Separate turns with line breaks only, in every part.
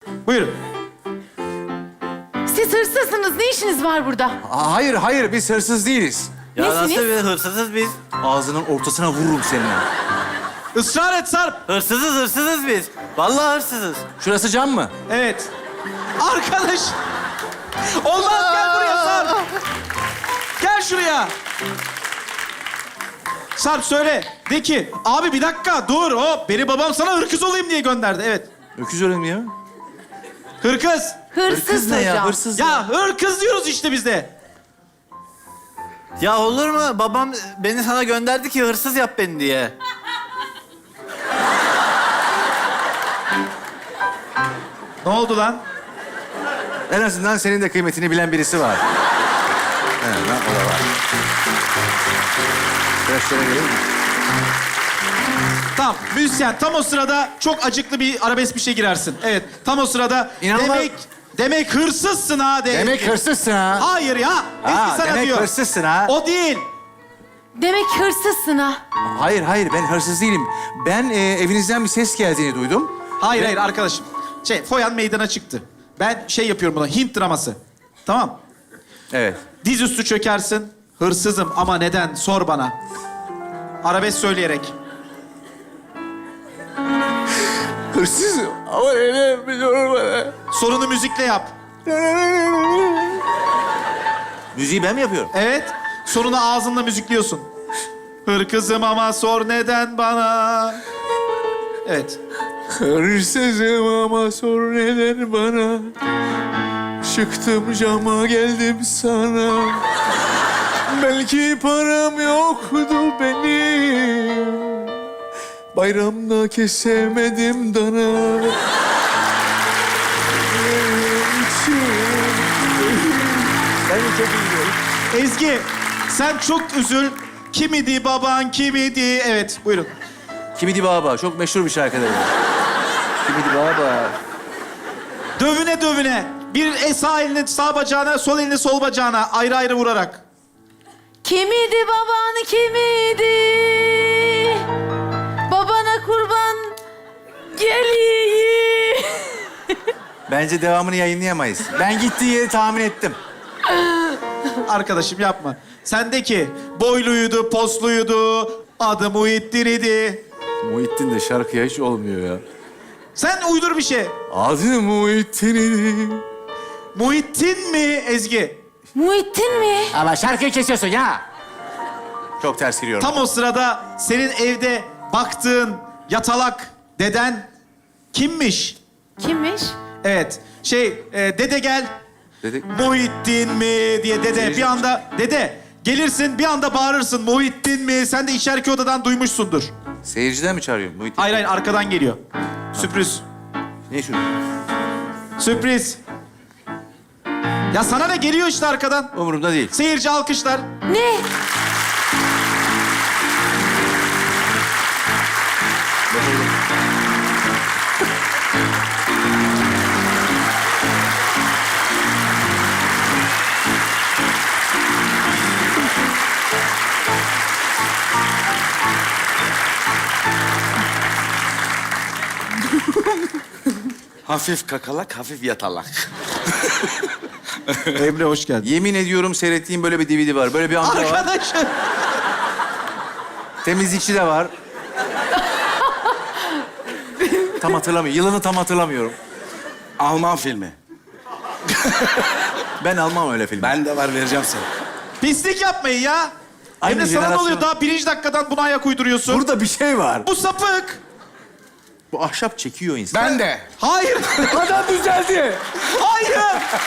Buyurun.
Siz hırsızsınız. Ne işiniz var burada?
Hayır, hayır. Biz hırsız değiliz.
Ya
Nesiniz?
nasıl bir hırsızız biz?
Ağzının ortasına vururum seninle.
Israr et Sarp.
Hırsızız biz. Vallahi hırsızız.
Şurası cam mı?
Evet. Arkadaş. Olmaz, gel buraya Sarp. Gel şuraya. Sarp söyle. De ki, abi bir dakika dur hop. Beni babam sana hırkız olayım diye gönderdi. Evet.
Öküz öyle mi ya?
Hırkız.
Hırsız hocam.
ya? Hırsız
Ya hırkız diyoruz işte biz de.
Ya olur mu? Babam beni sana gönderdi ki hırsız yap beni diye.
Ne oldu lan?
En azından senin de kıymetini bilen birisi var. En azından o da var. Biraz şöyle gelin mi?
Tamam, müzisyen tam o sırada çok acıklı bir arabesk bir şey girersin. Evet, tam o sırada
İnanılmaz.
demek hırsızsın ha de.
Demek hırsızsın ha.
Hayır ya. Ezgi sana
demek
diyor.
hırsızsın ha.
O değil.
Demek hırsızsın ha.
Hayır, hayır. Ben hırsız değilim. Ben evinizden bir ses geldiğini duydum.
Hayır arkadaşım. Foyan meydana çıktı. Ben yapıyorum buna, Hint draması. Tamam.
Evet.
Dizüstü çökersin. Hırsızım ama neden? Sor bana. Arabesk söyleyerek.
Hırsızım ama neden biliyorum bana.
Sorunu müzikle yap.
Müziği ben mi yapıyorum?
Evet. Sonunu ağzınla müzikliyorsun. Hırkızım ama sor neden bana. Evet.
Hırsızım ama sor neden bana. Çıktım cama geldim sana. Belki param yoktu benim. Bayramda kesemedim dana. Ben de çok üzülüyorum.
Ezgi, sen çok üzül. Kimidi baban, kimidi? Evet, buyurun.
Kimidi Baba çok meşhur bir şarkıdır. Kimidi Baba.
Dövüne dövüne. Bir sağ elini sağ bacağına, sol elini sol bacağına ayrı ayrı vurarak.
Kimidi baban kimidi? Babana kurban geliyi.
Bence devamını yayınlayamayız. Ben gittiği yeri tahmin ettim.
Arkadaşım yapma. Sendeki boyluydu, posluydu, adı Muhittin idi.
Muhittin de şarkıya hiç olmuyor ya.
Sen uydur bir şey.
Adı Muhittin idi.
Muhittin mi Ezgi?
Muhittin mi?
Ama şarkıyı kesiyorsun ya. Çok ters giriyorum.
Tam o sırada senin evde baktığın yatalak deden kimmiş?
Kimmiş?
Evet. Dede gel.
Dedi.
Muhittin mi diye dede.
Seyirci-
Bir anda dede gelirsin bir anda bağırırsın. Muhittin mi? Sen de içeriki odadan duymuşsundur.
Seyirciden mi çağırıyorsun Muhittin?
Hayır arkadan geliyor. Sürpriz.
Ne şu?
Sürpriz. Ya sana ne geliyor işte arkadan.
Umurumda değil.
Seyirci alkışlar.
Ne?
Hafif kakalak, hafif yatalak.
Emre hoş geldin.
Yemin ediyorum seyrettiğim böyle bir DVD var. Böyle bir amca var.
Arkadaşım.
Temizlikçi de var. Tam hatırlamıyorum. Yılını tam hatırlamıyorum.
Alman filmi.
Ben almam öyle film.
Ben de var, vereceğim sana.
Pislik yapmayın ya.
Aynı
Emre sana ne
jenerasyon.
oluyor? Daha birinci dakikadan buna ayak uyduruyorsun.
Burada bir şey var.
Bu sapık.
Bu ahşap çekiyor insan.
Ben de.
Hayır.
Adam düzeldi.
Hayır.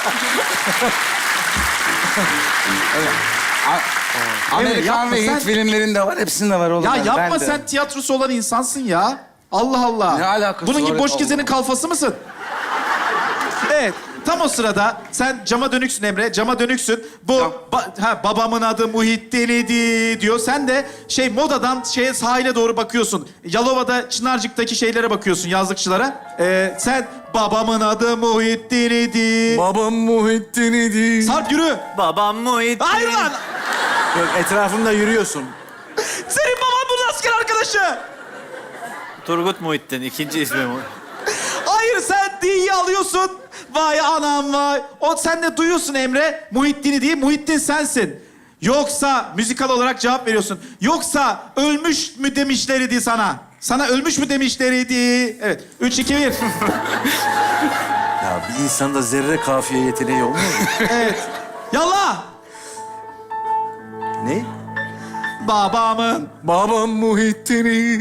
Amerikan
yapma
ve
sen.
Hint filmlerinde var, hepsinde var oğlum.
Ya
Ben
yapma
de.
sen tiyatrosu olan insansın ya. Allah Allah.
Ne alakası
Bunun gibi
var?
boş
Allah
gezenin
Allah.
kalfası mısın? Evet. Tam o sırada sen cama dönüksün Emre. Cama dönüksün. Bu babamın adı Muhittin idi diyor. Sen de modadan sahile doğru bakıyorsun. Yalova'da Çınarcık'taki şeylere bakıyorsun yazlıkçılara. Sen babamın adı Muhittin idi.
Babam Muhittin idi.
Sarp yürü.
Babam Muhittin.
Hayır lan.
Yok, etrafımda yürüyorsun.
Senin baban bunun asker arkadaşı.
Turgut Muhittin, ikinci ismi bu.
Hayır sen değil Ezgi'yi alıyorsun. Vay anam vay. O sen de duyuyorsun Emre. Muhittin'i değil, Muhittin sensin. Yoksa müzikal olarak cevap veriyorsun. Yoksa ölmüş mü demişlerdi sana? Sana ölmüş mü demişlerdi? Evet. 3, 2, 1.
Ya bir insanda zerre kafiye yeteneği olmuyor mu?
Evet. Yallah.
Ne?
Babamın.
Babam Muhittin'i.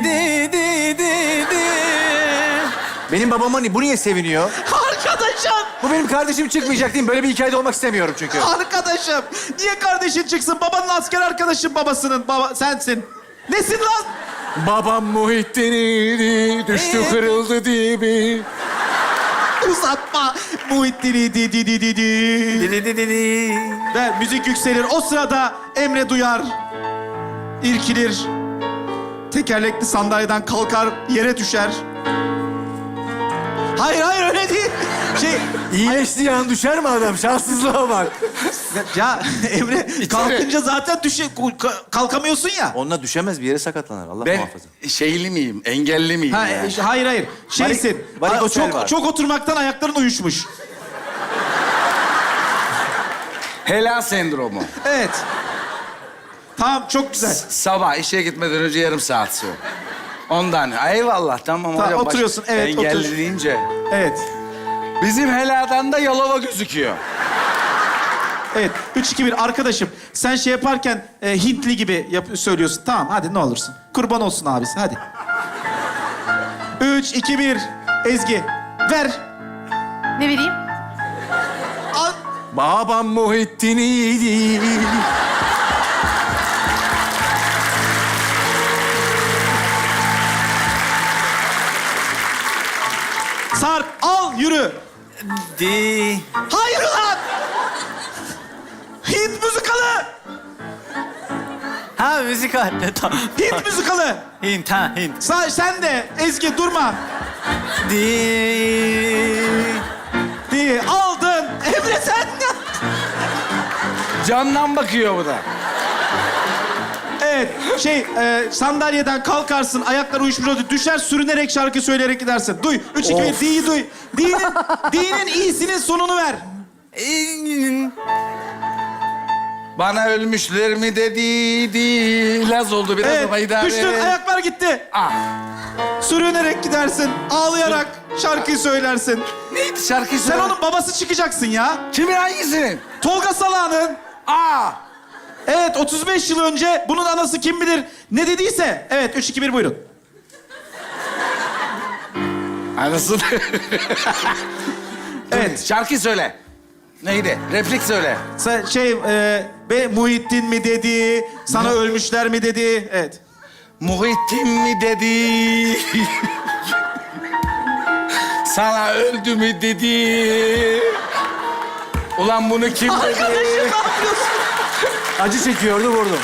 Benim babama bu niye seviniyor?
Arkadaşım.
Bu benim kardeşim çıkmayacak değil mi? Böyle bir hikayede olmak istemiyorum çünkü.
Arkadaşım. Niye kardeşin çıksın? Babanın asker arkadaşın babasının. Baba sensin. Nesin lan?
Babam Muhittin'i düştü kırıldı dibi.
Uzatma. Muhittin'i di. Ve müzik yükselir. O sırada Emre duyar. İrkilir. Tekerlekli sandalyeden kalkar, yere düşer. Hayır öyle değil.
İyileştiği an düşer mi adam? Şanssızlığa bak.
Ya Emre kalkınca zaten kalkamıyorsun ya.
Onunla düşemez, bir yere sakatlanır. Allah
Ben
muhafaza.
şeyli miyim? Engelli miyim?
Ha,
ya?
hayır. Şeysin.
varikosel var.
Çok oturmaktan ayakların uyuşmuş.
Helal sendromu.
Evet. Tamam, çok güzel.
Sabah işe gitmeden önce yarım saat sonra. Ondan. Eyvallah tamam.
Tamam,
hocam,
oturuyorsun, evet,
Engelli
otur.
deyince.
Evet.
Bizim heladan da Yalova gözüküyor.
Evet. 3, 2, 1. Arkadaşım, sen şey yaparken Hintli gibi söylüyorsun. Tamam, hadi ne olursun. Kurban olsun abisi, hadi. 3, 2, 1. Ezgi, ver.
Ne vereyim?
Al.
Babam Muhittin'i.
Sarp, al, yürü.
Di.
Hayır lan! Hint müzikalı!
Ha müzikal. Tamam.
Hint müzikalı!
Hint ha Hint.
Sen de Ezgi durma.
Di.
Diye aldın. Emre sen de.
Camdan bakıyor bu da.
Evet, sandalyeden kalkarsın, ayaklar uyuşmuş olur, düşer, sürünerek şarkı söyleyerek gidersin. Duy, 3, 2, 1, D'yi duy. D'nin iyisinin sonunu ver.
Bana ölmüşler mi dedi. Laz oldu biraz ama
Evet,
idare.
düştün, ayaklar gitti.
Ah.
Sürünerek gidersin, ağlayarak şarkıyı söylersin.
Neydi şarkı
Sen onun babası çıkacaksın ya.
Kimin hangisinin?
Tolga Salağ'ın.
Aa.
Evet, 35 yıl önce bunun anası kim bilir ne dediyse. Evet, 3, 2, 1 buyurun.
Anasını.
Evet.
Şarkı söyle. Neydi? Replik söyle.
Muhittin mi dedi, sana ölmüşler mi dedi. Evet.
Muhittin mi dedi? Sana öldü mü dedi? Ulan bunu kim dedi?
Arkadaşım ne yapıyorsun?
Acı çekiyordu, vurdum.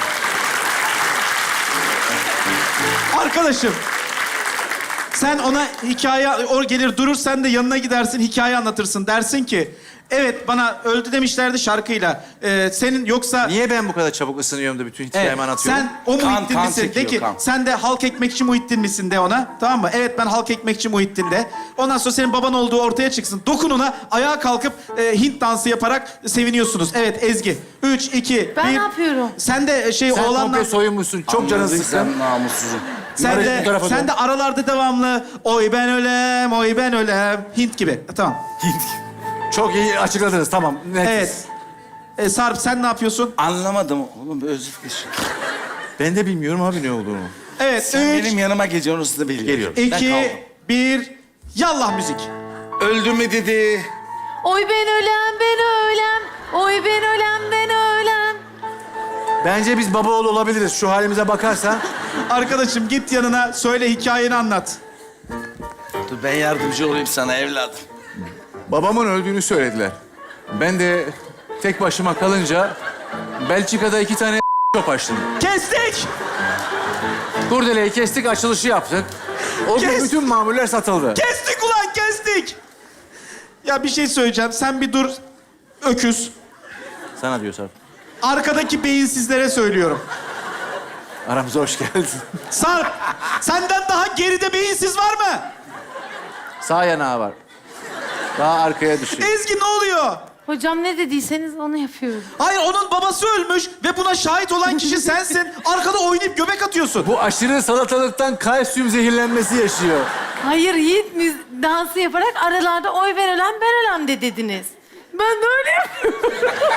Arkadaşım, sen ona o gelir durur, sen de yanına gidersin, hikaye anlatırsın. Dersin ki, evet bana öldü demişlerdi şarkıyla. Senin yoksa...
Niye ben bu kadar çabuk ısınıyorum da bütün hikayemi anlatıyorum?
Sen o Muhittin
kan
misin? De
çekiyor,
ki,
kan.
sen de halk ekmekçi Muhittin misin de ona. Tamam mı? Evet, ben halk ekmekçi Muhittin de. Ondan sonra senin baban olduğu ortaya çıksın. Dokun ona, ayağa kalkıp Hint dansı yaparak seviniyorsunuz. Evet Ezgi. 3, 2, 1.
Ben ne yapıyorum?
Sen de
Sen
oğlanla...
komple soyunmuşsun. Çok canın
Anladın
sıkkın.
sen namussuzum.
Bu tarafa
Sen
dön.
de aralarda devamlı oy ben ölem, oy ben ölem. Hint gibi. Tamam.
Çok iyi açıkladınız, tamam. Net.
Evet. Sarp sen ne yapıyorsun?
Anlamadım oğlum özür dilerim.
Ben de bilmiyorum abi ne olduğunu.
Evet.
Sen
3,
benim yanıma gece onu da biliyorum.
Geliyorum.
Ben
2,
kaldım.
1. Yallah müzik.
Öldü mü dedi?
Oy ben ölem, ben ölem. Oy ben ölem, ben ölem.
Bence biz baba oğlu olabiliriz. Şu halimize bakarsan.
Arkadaşım git yanına söyle, hikayeni anlat.
Dur ben yardımcı olayım sana evladım.
Babamın öldüğünü söylediler. Ben de tek başıma kalınca Belçika'da 2 tane shop açtım.
Kestik.
Kurdeleyi kestik, açılışı yaptık. O gün
Kes.
bütün mamuller satıldı.
Kestik ulan, kestik. Ya bir şey söyleyeceğim. Sen bir dur. Öküz.
Sana diyor Sarp.
Arkadaki beyinsizlere söylüyorum.
Aramıza hoş geldin.
Sarp, senden daha geride beyinsiz var mı?
Sağ yanağı var. Daha arkaya düşüyor.
Ezgi ne oluyor?
Hocam ne dediyseniz onu yapıyorum.
Hayır, onun babası ölmüş ve buna şahit olan kişi sensin. Arkada oynayıp göbek atıyorsun.
Bu aşırı salatalıktan kalsiyum zehirlenmesi yaşıyor.
Hayır, Yiğit dansı yaparak aralarda oy ben ölen ben ölen de dediniz. Ben de öyle yapıyorum.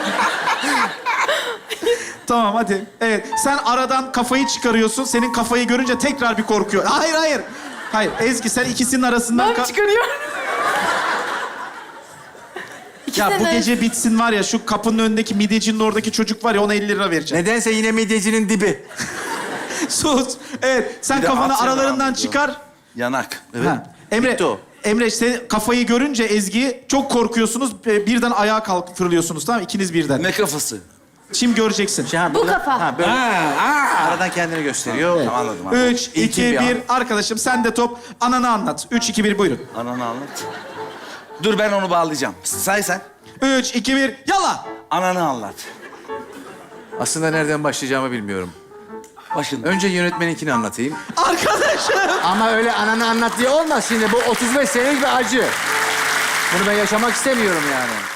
Tamam hadi. Evet, sen aradan kafayı çıkarıyorsun. Senin kafayı görünce tekrar bir korkuyor. Hayır, hayır. Hayır, Ezgi sen ikisinin arasından...
Ben çıkarıyorum.
Ya bu
İkisinin
gece bitsin var ya, şu kapının önündeki midyecinin oradaki çocuk var ya, ona 50 lira vereceğim.
Nedense yine midyecinin dibi.
Sus. Evet, sen
Bir de
kafanı
at
aralarından
yanağım
çıkar.
Yanak.
Ha. Emre,
Bitti o.
Emre sen kafayı görünce Ezgi'yi çok korkuyorsunuz. Birden ayağa kalkıp fırlıyorsunuz, tamam mı? İkiniz birden.
Ne kafası?
Şimdi göreceksin.
Bu kafa.
Ha böyle aradan kendini gösteriyor.
Tamam, anladım. anladım.
3, 2, 1. Arkadaşım sen de top. Ananı anlat. 3, 2, 1 buyurun.
Ananı anlat. Dur ben onu bağlayacağım. Say sen.
3, 2, 1 yala.
Ananı anlat.
Aslında nereden başlayacağımı bilmiyorum.
Başında.
Önce yönetmeninkini anlatayım.
Arkadaşım.
Ama öyle ananı anlat diye olmaz şimdi. Bu 35 senelik bir acı. Bunu ben yaşamak istemiyorum yani.